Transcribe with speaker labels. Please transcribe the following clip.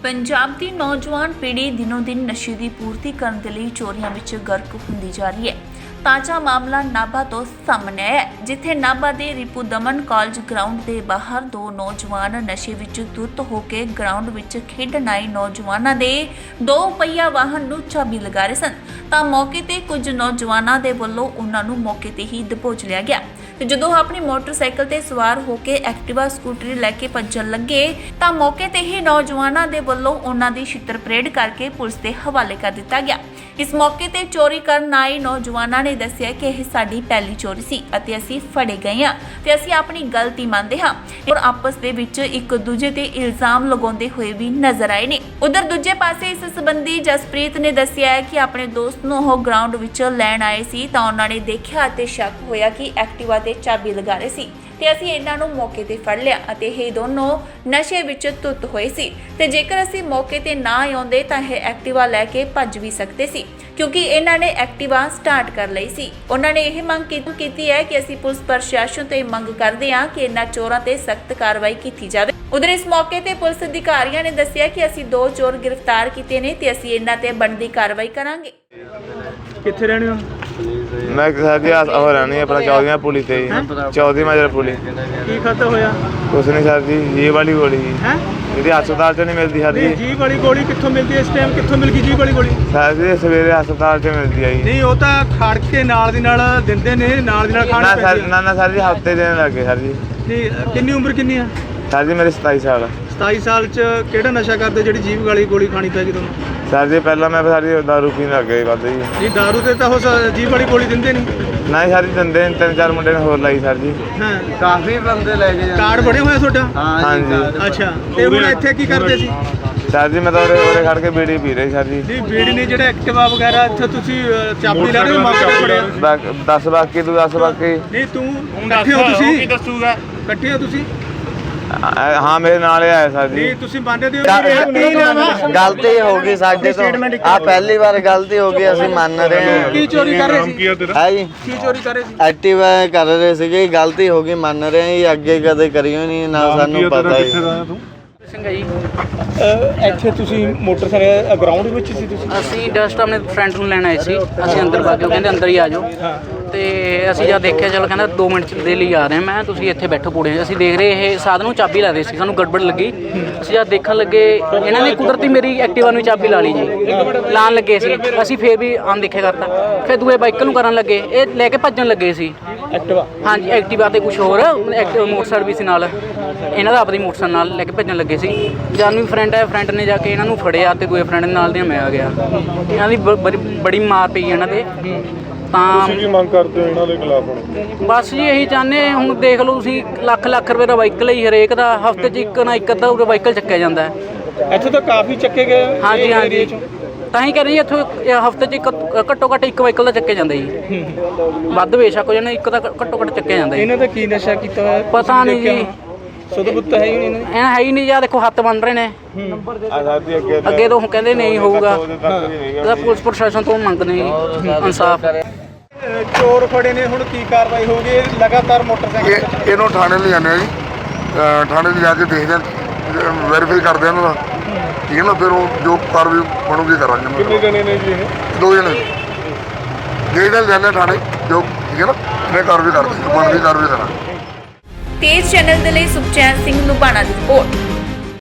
Speaker 1: ਪੰਜਾਬ ਦੀ ਨੌਜਵਾਨ ਪੀੜ੍ਹੀ ਦਿਨੋਂ ਦਿਨ ਨਸ਼ੇ ਦੀ ਪੂਰਤੀ ਕਰਨ ਦੇ ਲਈ ਚੋਰੀਆਂ ਵਿੱਚ ਗਰਕ ਹੁੰਦੀ ਜਾ ਰਹੀ ਹੈ। ਤਾਜ਼ਾ ਮਾਮਲਾ ਨਾਭਾ ਤੋਂ ਸਾਹਮਣੇ ਆਇਆ ਹੈ, ਜਿੱਥੇ ਨਾਭਾ ਦੇ ਰਿਪੂ ਦਮਨ ਕਾਲਜ ਗਰਾਊਂਡ ਦੇ ਬਾਹਰ ਦੋ ਨੌਜਵਾਨ ਨਸ਼ੇ ਵਿੱਚ ਧੁੱਤ ਹੋ ਕੇ ਗਰਾਊਂਡ ਵਿੱਚ ਖੇਡਣ ਆਏ ਨੌਜਵਾਨਾਂ ਦੇ ਦੋ ਪਹੀਆ ਵਾਹਨ ਨੂੰ ਚਾਬੀ ਲਗਾ ਰਹੇ ਸਨ ਤਾਂ ਮੌਕੇ ਤੇ ਕੁਝ ਨੌਜਵਾਨਾਂ ਦੇ ਵੱਲੋਂ ਉਹਨਾਂ ਨੂੰ ਮੌਕੇ ਤੇ ਹੀ ਦਬੋਚ ਲਿਆ ਗਿਆ। ਤੇ ਜਦੋਂ ਆਪਣੀ ਮੋਟਰਸਾਈਕਲ ਤੇ ਸਵਾਰ ਹੋ ਕੇ ਐਕਟਿਵਾ ਸਕੂਟਰੀ ਲੈ ਕੇ ਭੱਜਣ ਲੱਗੇ ਤਾਂ ਮੌਕੇ ਤੇ ਹੀ ਨੌਜਵਾਨਾਂ ਦੇ ਵੱਲੋਂ ਉਹਨਾਂ ਦੀ ਛਿੱਤਰ ਪਰੇਡ ਕਰਕੇ ਪੁਲਿਸ ਦੇ ਹਵਾਲੇ ਕਰ ਦਿੱਤਾ ਗਿਆ। ਇਸ ਮੌਕੇ ਤੇ ਚੋਰੀ ਕਰਨ ਆਏ ਨੌਜਵਾਨਾਂ ਨੇ ਦੱਸਿਆ ਕਿ ਇਹ ਸਾਡੀ ਪਹਿਲੀ ਚੋਰੀ ਸੀ ਅਤੇ ਅਸੀਂ ਫੜੇ ਗਏ ਹਾਂ ਤੇ ਅਸੀਂ ਆਪਣੀ ਗਲਤੀ ਮੰਨਦੇ ਹਾਂ ਔਰ ਆਪਸ ਦੇ ਵਿੱਚ ਇੱਕ ਦੂਜੇ ਤੇ ਇਲਜ਼ਾਮ ਲਗਾਉਂਦੇ ਹੋਏ ਵੀ ਨਜ਼ਰ ਆਏ ਨੇ। ਉਧਰ ਦੂਜੇ ਪਾਸੇ ਇਸ ਸੰਬੰਧੀ ਜਸਪ੍ਰੀਤ ਨੇ ਦੱਸਿਆ ਹੈ ਕਿ ਆਪਣੇ ਦੋਸਤ ਨੂੰ ਉਹ ਗਰਾਊਂਡ ਵਿੱਚ ਲੈਣ ਆਏ ਸੀ ਤਾਂ ਉਹਨਾਂ ਨੇ ਦੇਖਿਆ ਅਤੇ ਸ਼ੱਕ ਹੋਇਆ ਕਿ ਐਕਟਿਵਾ ਤੇ ਚਾਬੀ ਲਗਾ ਰਹੇ ਸੀ ਤੇ ਅਸੀਂ ਇਹਨਾਂ ਨੂੰ ਮੌਕੇ ਤੇ ਫੜ ਲਿਆ ਅਤੇ ਇਹ ਦੋਨੋਂ ਨਸ਼ੇ ਵਿੱਚ ਧੁੱਤ ਹੋਏ ਸੀ ਤੇ ਜੇਕਰ ਅਸੀਂ ਮੌਕੇ ਤੇ ਨਾ ਆਉਂਦੇ ਤਾਂ ਇਹ ਐਕਟਿਵਾ ਲੈ ਕੇ ਭੱਜ ਵੀ ਸਕਦੇ ਸੀ ਕਿਉਂਕਿ ਇਹਨਾਂ ਨੇ ਐਕਟਿਵਾ ਸਟਾਰਟ ਕਰ ਲਈ ਸੀ। ਉਹਨਾਂ ਨੇ ਇਹ ਮੰਗ ਕੀਤੀ ਹੈ ਕਿ ਅਸੀਂ ਪੁਲਿਸ ਪ੍ਰਸ਼ਾਸਨ ਤੋਂ ਇਹ ਮੰਗ ਕਰਦੇ ਹਾਂ ਕਿ ਇਹਨਾਂ ਚੋਰਾਂ ਤੇ ਸਖਤ ਕਾਰਵਾਈ ਕੀਤੀ ਜਾਵੇ। ਉਧਰ ਇਸ ਮੌਕੇ ਤੇ ਪੁਲਿਸ ਅਧਿਕਾਰੀਆਂ ਨੇ ਦੱਸਿਆ ਕਿ ਅਸੀਂ ਦੋ ਚੋਰ ਗ੍ਰਿਫਤਾਰ ਕੀਤੇ ਨੇ ਤੇ ਅਸੀਂ ਇਹਨਾਂ ਤੇ ਬਣਦੀ ਕਾਰਵਾਈ ਕਰਾਂਗੇ।
Speaker 2: ਕਿੱਥੇ ਰਹਿਣੇ ਹੋ?
Speaker 3: मैं सर जी हो रहनी अपना 14 पुली से 14 मजर पुली।
Speaker 2: की खाता होया?
Speaker 3: कुछ नहीं सर जी, ये वाली गोली जी हस्पताल च नहीं मिलती सर जी।
Speaker 2: जी वाली गोली कित्थों मिलती है इस टाइम? कित्थों मिल गई जी वाली गोली?
Speaker 3: सर जी सवेरे हस्पताल च मिलती है जी।
Speaker 2: नहीं वो तो खड़ के नाल दी नाल दिंदे ने, नाल दी नाल खाने पैंदी है।
Speaker 3: ना सर जी हफ्ते देने लगे सर जी।
Speaker 2: नहीं कितनी उम्र कितनी है?
Speaker 3: सर जी मेरे 27 साल।
Speaker 2: 27 साल च केड़ा नशा करदे जेड़ी जीभ वाली गोली खानी पै गई तुहानू?
Speaker 3: सर जी पहला मैं सर जी दारू पीने लग गए बस जी।
Speaker 2: नहीं दारू ते तां हो जीभ वाली गोली दिंदे नहीं।
Speaker 3: नहीं सर जी दिंदे 3-4 मुंडे ने होर लाई सर जी।
Speaker 2: हां
Speaker 4: काफी बंदे ले गए।
Speaker 2: कार्ड बने होए ਤੁਹਾਡਾ?
Speaker 3: हाँ जी।
Speaker 2: अच्छा ते हुण ਇੱਥੇ ਕੀ ਕਰਦੇ ਸੀ?
Speaker 3: सर जी मैं तो उरे खड़ के बीड़ी पी रही सर जी।
Speaker 2: ਨਹੀਂ ਬੀੜੀ ਨਹੀਂ ਜਿਹੜਾ ਐਕਟਿਵਾ ਵਗੈਰਾ ਇੱਥੇ ਤੁਸੀਂ ਚਾਬੀ ਲੈ ਰਹੇ ਹੋ ਮੌਕੇ ਤੇ ਫੜਿਆ?
Speaker 3: 10 ਬਾਕੀ ਤੂੰ 10 ਬਾਕੀ।
Speaker 2: ਨਹੀਂ ਤੂੰ ਇਕੱਠੇ ਹੋ ਤੁਸੀਂ? ਕੀ ਦੱਸੂਗਾ? ਇਕੱਠੇ ਹੋ ਤੁਸੀਂ?
Speaker 3: हाँ मेरे नाल आए सर जी।
Speaker 2: ਨਹੀਂ ਤੁਸੀਂ ਮੰਨਦੇ ਹੋ?
Speaker 4: गलती हो गई साडे तो आ पहली बार गलती हो गई ਅਸੀਂ ਮੰਨ ਰਹੇ ਹਾਂ।
Speaker 2: ਕੀ ਚੋਰੀ ਕਰ ਰਹੇ ਸੀ?
Speaker 4: ਹੈ ਜੀ
Speaker 2: ਕੀ ਚੋਰੀ ਕਰ ਰਹੇ ਸੀ?
Speaker 4: ਐਕਟਿਵਾ ਕਰ ਰਹੇ ਸੀਗੇ, ਗਲਤੀ ਹੋ ਗਈ ਮੰਨ ਰਹੇ ਹਾਂ ਜੀ। ਅੱਗੇ ਕਦੇ ਕਰੀਓ ਨਹੀਂ ਨਾ ਸਾਨੂੰ ਪਤਾ ਜੀ।
Speaker 5: ਸਿੰਘ ਹੈ ਜੀ।
Speaker 2: ਇੱਥੇ ਤੁਸੀਂ ਮੋਟਰਸਾਈਕਲ ਗਰਾਊਂਡ ਵਿੱਚ ਸੀ ਤੁਸੀਂ?
Speaker 5: ਅਸੀਂ ਜਸਟ ਆਪਣੇ ਫਰੈਂਡ ਨੂੰ ਲੈਣ ਆਏ ਸੀ। ਅਸੀਂ ਅੰਦਰ ਵਗ ਗਏ, ਕਹਿੰਦੇ ਅੰਦਰ ਹੀ ਆ ਜਾਓ ਤੇ ਅਸੀਂ ਜਦ ਦੇਖਿਆ ਚਲੋ ਕਹਿੰਦਾ 2 ਮਿੰਟ ਦੇ ਲਈ ਆ ਰਹੇ ਮੈਂ, ਤੁਸੀਂ ਇੱਥੇ ਬੈਠੋ ਪੂੜੇ। ਅਸੀਂ ਦੇਖ ਰਹੇ ਇਹ ਸਾਧਨ ਨੂੰ ਚਾਬੀ ਲਾ ਰਹੇ ਸੀ, ਸਾਨੂੰ ਗੜਬੜ ਲੱਗੀ। ਅਸੀਂ ਜਦ ਦੇਖਣ ਲੱਗੇ ਇਹਨਾਂ ਨੇ ਕੁਦਰਤੀ ਮੇਰੀ ਐਕਟਿਵਾ ਨੂੰ ਚਾਬੀ ਲਾ ਲਈ ਜੀ। ਲਾਣ ਲੱਗੇ ਸੀ ਅਸੀਂ, ਫੇਰ ਵੀ ਅਣਦੇਖਿਆ ਕਰਤਾ। ਫਿਰ ਦੂਏ ਬਾਈਕ ਨੂੰ ਕਰਨ ਲੱਗੇ, ਇਹ ਲੈ ਕੇ ਭੱਜਣ ਲੱਗੇ ਸੀ
Speaker 2: ਐਕਟਿਵਾ।
Speaker 5: ਹਾਂਜੀ ਐਕਟਿਵਾ ਤੇ ਕੁਝ ਹੋਰ ਮੋਟਰਸਾਈਕਲ ਵੀ ਸੀ ਨਾਲ, ਇਹਨਾਂ ਦਾ ਆਪਣੀ ਮੋਟਰਸਾਈਕਲ ਨਾਲ ਲੈ ਕੇ ਭੱਜਣ ਲੱਗੇ ਸੀ। ਜਦ ਵੀ ਫਰੈਂਡ ਹੈ, ਫਰੈਂਡ ਨੇ ਜਾ ਕੇ ਇਹਨਾਂ ਨੂੰ ਫੜਿਆ ਤੇ ਦੂਏ ਫਰੈਂਡ ਨਾਲ ਦੇ ਮੈਂ ਆ ਗਿਆ। ਇਹਨਾਂ ਦੀ ਬੜੀ ਮਾਰ ਪਈ ਇਹਨਾਂ ਤੇ। ਤਾਂ
Speaker 6: ਕੀ ਮੰਗ ਕਰਦੇ ਹੋ ਇਹਨਾਂ ਦੇ ਖਿਲਾਫ ਹੁਣ?
Speaker 5: ਬਸ ਜੀ ਇਹੀ ਚਾਹੁੰਦੇ, ਹੁਣ ਦੇਖ ਲਓ ਤੁਸੀਂ ਲੱਖ ਰੁਪਏ ਦਾ ਵਾਹੀਕਲ ਹੀ ਹਰੇਕ ਦਾ ਹਫ਼ਤੇ 'ਚ ਇੱਕ ਨਾ ਇੱਕ ਅੱਧਾ ਵਾਹੀਕਲ ਚੱਕਿਆ ਜਾਂਦਾ ਹੈ।
Speaker 2: ਇੱਥੇ ਤਾਂ ਕਾਫੀ ਚੱਕੇ ਗਏ।
Speaker 5: ਹਾਂਜੀ ਹਾਂਜੀ ਤਾਂ ਹੀ ਕਹਿ ਰਹੀ ਇੱਥੋਂ ਹਫ਼ਤੇ 'ਚ ਇੱਕ ਘੱਟੋ ਘੱਟ ਇੱਕ ਵਾਹੀਕਲ ਦਾ ਚੱਕਿਆ ਜਾਂਦਾ ਜੀ। ਵੱਧ ਬੇਸ਼ੱਕ ਹੋ ਜਾਣਾ, ਇੱਕ ਤਾਂ ਘੱਟੋ ਘੱਟ ਚੱਕਿਆ ਜਾਂਦਾ ਜੀ।
Speaker 2: ਇਹਨਾਂ ਦਾ ਕੀ ਨਸ਼ਾ ਕੀਤਾ ਹੋਇਆ
Speaker 5: ਪਤਾ ਨਹੀਂ ਜੀ,
Speaker 2: ਸੁਧ-ਬੁੱਧ ਹੈ ਹੀ ਨਹੀਂ
Speaker 5: ਐ ਹੈ ਹੀ ਨਹੀਂ ਜਾਂ ਦੇਖੋ ਹੱਥ ਬਣ ਰਹੇ ਨੇ ਅੱਗੇ ਤੋਂ ਕਹਿੰਦੇ ਨਹੀਂ ਹੋਊਗਾ। ਇਹਦਾ ਪੁਲਿਸ ਪ੍ਰਸ਼ਾਸਨ ਤੋਂ ਮੰਗਦੇ ਜੀ ਇਨਸਾਫ।
Speaker 2: ਚੋਰ ਫੜੇ ਨੇ, ਹੁਣ ਕੀ ਕਾਰਵਾਈ ਹੋਊਗੀ? ਲਗਾਤਾਰ ਮੋਟਰਸਾਈਕਲ
Speaker 6: ਇਹਨੂੰ ਥਾਣੇ ਲਿਜਾਣੇ ਆ ਜੀ। ਥਾਣੇ ਲਿਜਾ ਕੇ ਦੇਖਦੇ ਆ, ਵੈਰੀਫਾਈ ਕਰਦੇ ਆ ਇਹਨਾਂ ਦਾ। ਠੀਕ ਹੈ ਨਾ, ਫਿਰ ਉਹ ਜੋ ਕਾਰਵਾਈ ਬਣੂਗੀ ਕਰਾਂਗੇ। ਕਿੰਨੇ ਜਣੇ ਨੇ ਜੀ ਇਹ? 2 ਜਣੇ। ਜਿਹੜੇ ਲਿਜਾਣੇ ਥਾਣੇ ਜੋ ਠੀਕ ਹੈ ਨਾ, ਇਹ ਕਾਰਵਾਈ ਕਰਦੇ ਬਣਦੀ ਕਾਰਵਾਈ ਕਰਾਂਗੇ।
Speaker 1: ਤੇਜ਼ ਚੈਨਲ ਦੇ ਲਈ ਸੁਖਚੈਨ ਸਿੰਘ ਲੁਬਾਣਾ ਦੀ ਰਿਪੋਰਟ।